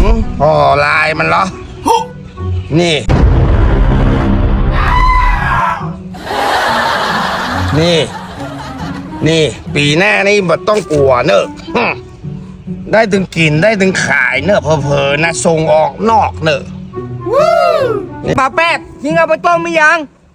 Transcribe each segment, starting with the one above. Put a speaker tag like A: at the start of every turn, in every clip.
A: ห่อลายมันเหรอนี่ นี่ปีหน้านี่บ่ต้องกลัวเนอะได้ถึงกินได้ถึงขายเนอะเพอๆนะส่งออกนอกเนอะ
B: ปลาแป๊บยิงเอาไปต้มไม่ยัง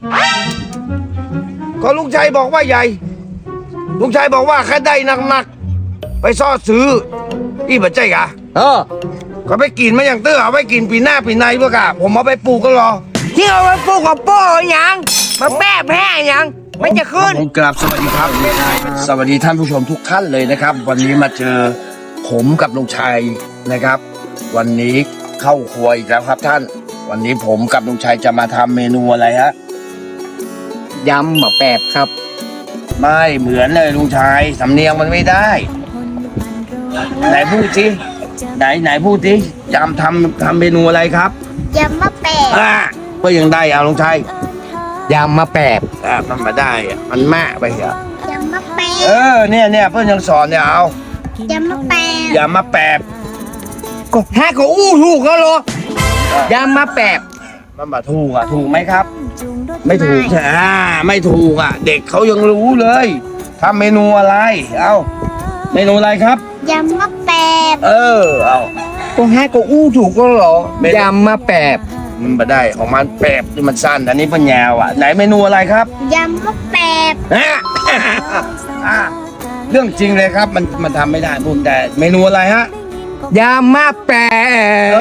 A: ก็ลุงชัยบอกว่าใหญ่ลุงชัยบอกว่าแค่ได้หนักๆไปซ่อซื้ออีบัจใจกะก็ไปกินมาอย่างเตื้อเอาไปกินปีหน้าปีในเพื่อกะผมเอาไปปลูกก็รอ
B: ยิงเอาไปปลูกกับโป้ยังมาแป๊บแพ้ยังมันจะขึ้น
A: ผมกราบสวัสดีครับสวัสดีท่านผู้ชมทุกท่านเลยนะครับวันนี้มาเจอผมกับลุงชัยนะครับวันนี้เข้าครัวอีกแล้วครับท่านวันนี้ผมกับลุงชัยจะมาทำเมนูอะไรฮะ
B: ยำหมาแป๊บครับ
A: ไม่เหมือนเลยลุงชัยสำเนียงมันไม่ได้ไหนพูดสิไหนพูดสิยำทำเมนูอะไรครับ
C: ยำมะแปบ
A: ก็ยังได้เอาลุงชัย
B: ยำมาแป๊บ
A: มันมาได้มันแม่ไปเหร
C: อยำมะแปบ
A: เนี่ยเพื่อนยังสอนเนี่ยเอา
C: ยำมะแปบ
A: ยำมะแปบ
B: ก็แค่ก็อู้ถูกก็หรอยำมาแป๊บ
A: มันมาถูกถูกไหมครับไม่ถูกไม่ถูกเด็กเขายังรู้เลยทำเมนูอะไรเอาเมนูอะไรครับ
C: ยำมะแปบ
A: เอา
B: ก็แค่ก็อู้ถูกก็หรอยำมาแป๊บ
A: มันมาได้ของมันแปบที่มันสั้นอันนี้เป็นยาวไหนเมนูอะไรครับ
C: ยำมะแปบ
A: เรื่องจริงเลยครับมันทำไม่ได้พูดแต่เมนูอะไรฮะ
B: ยำมาแป๊บ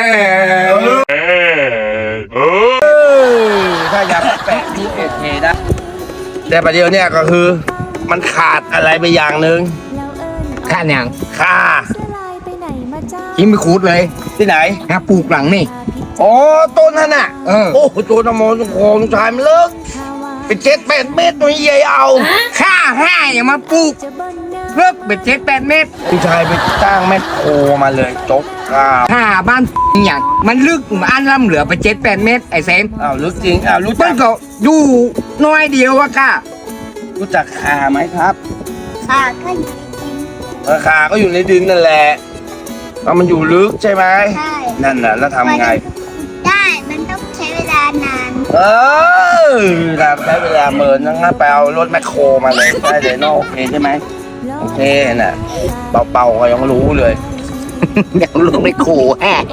A: ถ้ายำมะแปบที่เคนะแต่ประเดี๋ยวเนี่ยก็คือมันขาดอะไรไปอย่างหนึ่ง
B: ขาดอย่าง
A: ข่า
B: กินไปขูดเลย
A: ที่ไหน
B: ปลูกหลังนี่
A: ต้นนั่นน่ะโอ้ต้นนโมต้นโคงชายมันเลิกเป็น7-8 เมตรตัวใหญ่เอา
B: ข้าให้อย่ามาปลูกเลิกเป็น7-8 เมตร
A: พี่ชายไปจ้างแม่โคมาเลยจก
B: ข้าบ้านอย่างมันลึกอันล่ำเหลือไป7-8 เมตรไอ้เซม
A: ลึกจริงรู้
B: จักก็อยู่น้อยเดียวอะก้า
A: รู้จักข่าไหมครับ
C: ข่าก็อยู่ในดิน
A: ข่าก็อยู่ในดินนั่นแหละมันอยู่ลึกใช่ไหม
C: ใช่
A: นั่นน่ะแล้วทำไง
C: ได้มันต้องใช้เวลานาน
A: ใช้เวลาเมินงั้นไปเอารถแมคโครมาเลยได้เลยโอเคใช่ไหมโอเคน่ะเป่าก็ยังรู้เลย
B: ยังรู้ไม่โคแห่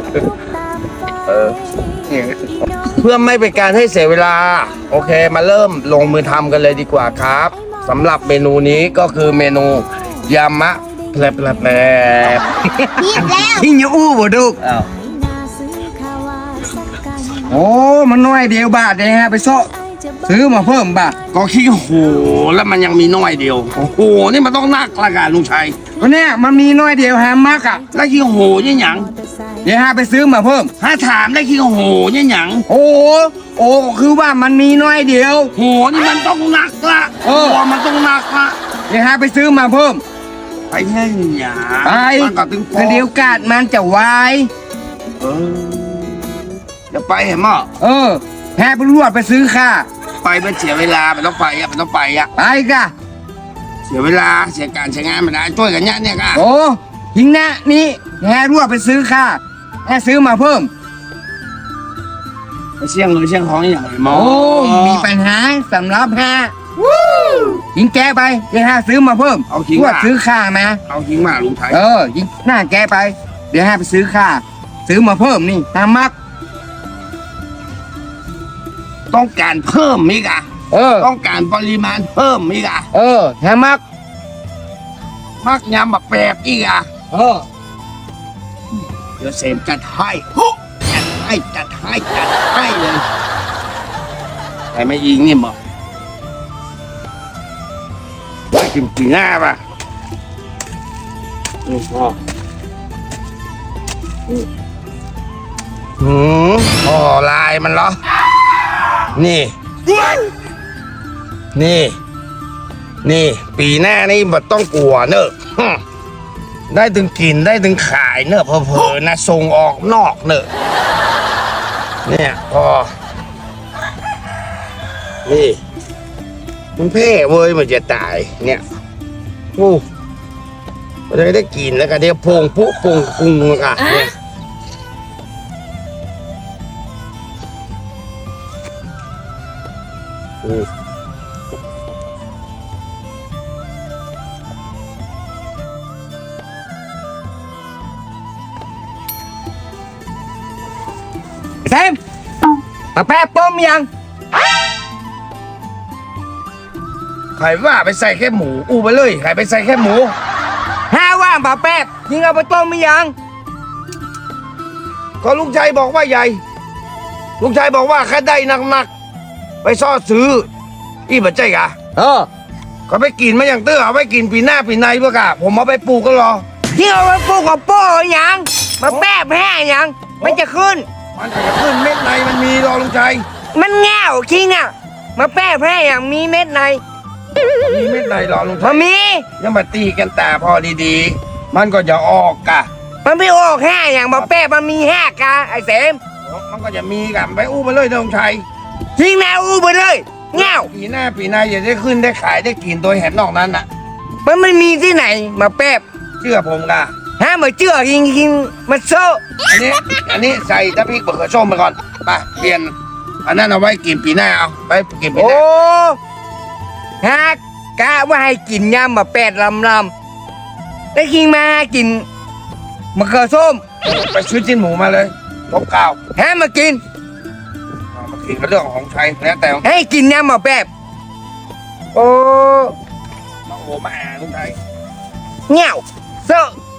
A: เพื่อไม่เป็นการให้เสียเวลาโอเคมาเริ่มลงมือทำกันเลยดีกว่าครับสำหรับเมนูนี้ก็คือเมนูยำมะแปล
C: บ
B: ที่ยังอู้บ่ดูโอ้มันน้อยเดียวบาทเลยฮะไปโซ่ซื้อมาเพิ่มบาท
A: ก็ขี้โหแล้วมันยังมีน้อยเดียวโอ้โหนี่มันต้องนักละกันลุงชัย
B: ก็เนี่ยมันมีน้อยเดียวฮะมาก
A: แล้วขี้โหยังหยัง
B: เดี๋ยวฮะไปซื้อมาเพิ่ม
A: ถามได้ขี้โหยังหยัง
B: โอ้คือว่ามันมีน้อยเดียว
A: โหนี่มันต้องนักละมันต้องนักละ
B: เดี๋ยวฮะไปซื้อมาเพิ่ม
A: ไปแค่หยา
B: ไปเดี๋ยวกาดมันจะวาย
A: จะไปเห็นมั้
B: ยแพ้ไปรวดไปซื้อค่า
A: ไปมันเสียเวลามันต้องไปมันต้องไป
B: ไปกะ
A: เสียเวลาเสียการใช้งานมันได้ช่วยกันเนี่ยกะ
B: หิงนะนี่แพ้รวดไปซื้อค่าแพ้ซื้อมาเพิ่ม
A: ไปเสี่ยงเลยเสี่ยงของอย่างไรมั้
B: งมีปัญหาสำหรับแพ้ยิงแกไปเดี๋ยวฮะซื้อมาเพิ่ม
A: เอาทิ้ง
B: มาซื้อค่ามา
A: เอาทิ้งมาลุงไทย
B: ยิงหน้าแกไปเดี๋ยวฮะไปซื้อค่าซื้อมาเพิ่มนี่ตามมัก
A: ต้องการเพิ่มมิกะต้องการปริมาณเพิ่มมิกะ
B: แฮมัก
A: ยำแบบแปบอีกเดี๋ยวเสมจัดให้จัดให้เลยใครไม่ยิงนี่บอกไปกินปีหน้าป่ะนี่พ่อห่อลายมันเหรอนี่ปีหน้านี่บ่ต้องกลัวเนอะได้ถึงกินได้ถึงขายเนอะเพอๆนะส่งออกนอกเนอะเนี่ยพอนี่มันเพ่เว้ยมันจะตายเนี่ยมันจะได้กินแล้วก็เดี๋ยวพงปุ๊บพงปรุงกันเนี่ย
B: เซมมาแป๊บต้มยัง
A: ใครว่าไปใส่แค่หมูอู้ไปเลยใครไปใส่แค่หมู
B: ห้าว่างป่าแป๊บยิงเอาไปต้มไม่ยัง
A: ก็ลุงชัยบอกว่าใหญ่ลุงชัยบอกว่าแค่ได้หนักๆไปซ่อซื้ออีบัจใจกะ ก็ไปกินมาอย่างเตื้อเอาไปกินปีหน้าปีในเพื่อกะผมเอาไปปลูกก็รอ
B: ยิงเอาไปปลูกกับโป้ยังมาแป๊บแห้ยังมันจะขึ้น
A: มันจะขึ้นเม็ดในมันมีรอลุงชัย
B: มันแง่วคิงอ่ะมาแป๊บแห้อย่างมีเม็ดใน
A: มีเม็ดในรอลุงชั
B: มาย มี
A: ยังมาตีกันแต่พอดีๆ มันก็จะออกกะ
B: มันไม่ออกแห้อย่างมาแป๊บมันมีแห้กะไอ้เสม
A: มันก็จะมีกันไปอู้ไปเลยนะลุงชัย
B: ยิงแนวอูไปเลยแง่ว
A: ปีหน้าปีในอย่าได้ขึ้นได้ขายได้กินโดยเห็นนอกนั้นน่ะ
B: มันไม่มีที่ไหนมาแป๊บ
A: เชื่อผมกะ
B: ห้ามาเชื่อยิงมันโซ่
A: อันนี้ใส่ตะพริกเบอร์ส้มไปก่อนไปเปลี่ยนอันนั้นเอาไว้กินปีหน้าเอาไปกินปีห
B: โอ้
A: น้า
B: ฮะกะว่าให้กินยำมาแปดลำแล้วยิงมากินมะเขือส้ม
A: ไปซื้อจิ้นหมูมาเลยพบข้าว
B: ฮะมากิน
A: เอามากินก็เรื่องของชัยแล้วแต่ของ
B: ให้กินยำมาแป๊บโอ้
A: มาโอ้มาแอบลุงชัย
B: เงี้ยวโซ่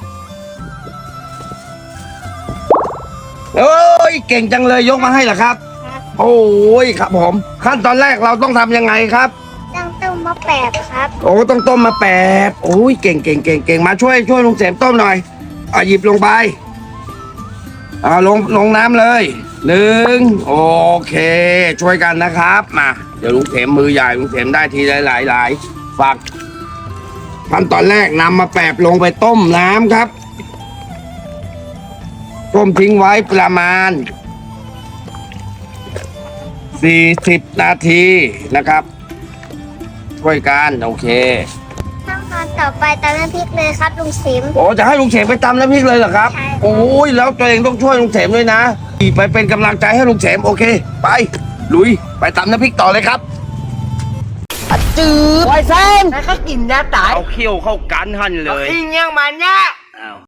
A: เอ้ยเก่งจังเลยยกมาให้เหรอครับ โอ้ยครับผม ขั้นตอนแรกเราต้องทำยังไงครับ
C: ต้องต้มมะแปบครับ
A: โอ้ต้องต้มมาแปบโอ้ยเก่งมาช่วยลุงเสมต้มหน่อยเอาหยิบลงไปเอาลงน้ำเลย1โอเค ช่วยกันนะครับมาเดี๋ยวลุงเสมมือใหญ่ลุงเสมได้ทีหลายฝักขั้นตอนแรกนำมาแปบลงไปต้มน้ำครับต้มทิ้งไว้ประมาณ40 นาทีนะครับช่วยกันโอเค
C: ขั้นตอนต่อไปตำน้ำพริกเลยครับลุงสิม
A: โอ้จะให้ลุงเสมไปตำน้ำพริกเลยเหรอครับ
C: ใช่
A: โอ้ยแล้วตัวเองต้องช่วยลุงเสมด้วยนะไปเป็นกำลังใจให้ลุงเสมโอเค ไปลุยไปตำน้ำพริกต่อเลยครับ
B: จืดไวเซนแล้วก็กินยาตาย
A: เอาเขี้ยวเข้ากันหั่นเลย
B: กินยังมันเนี่ย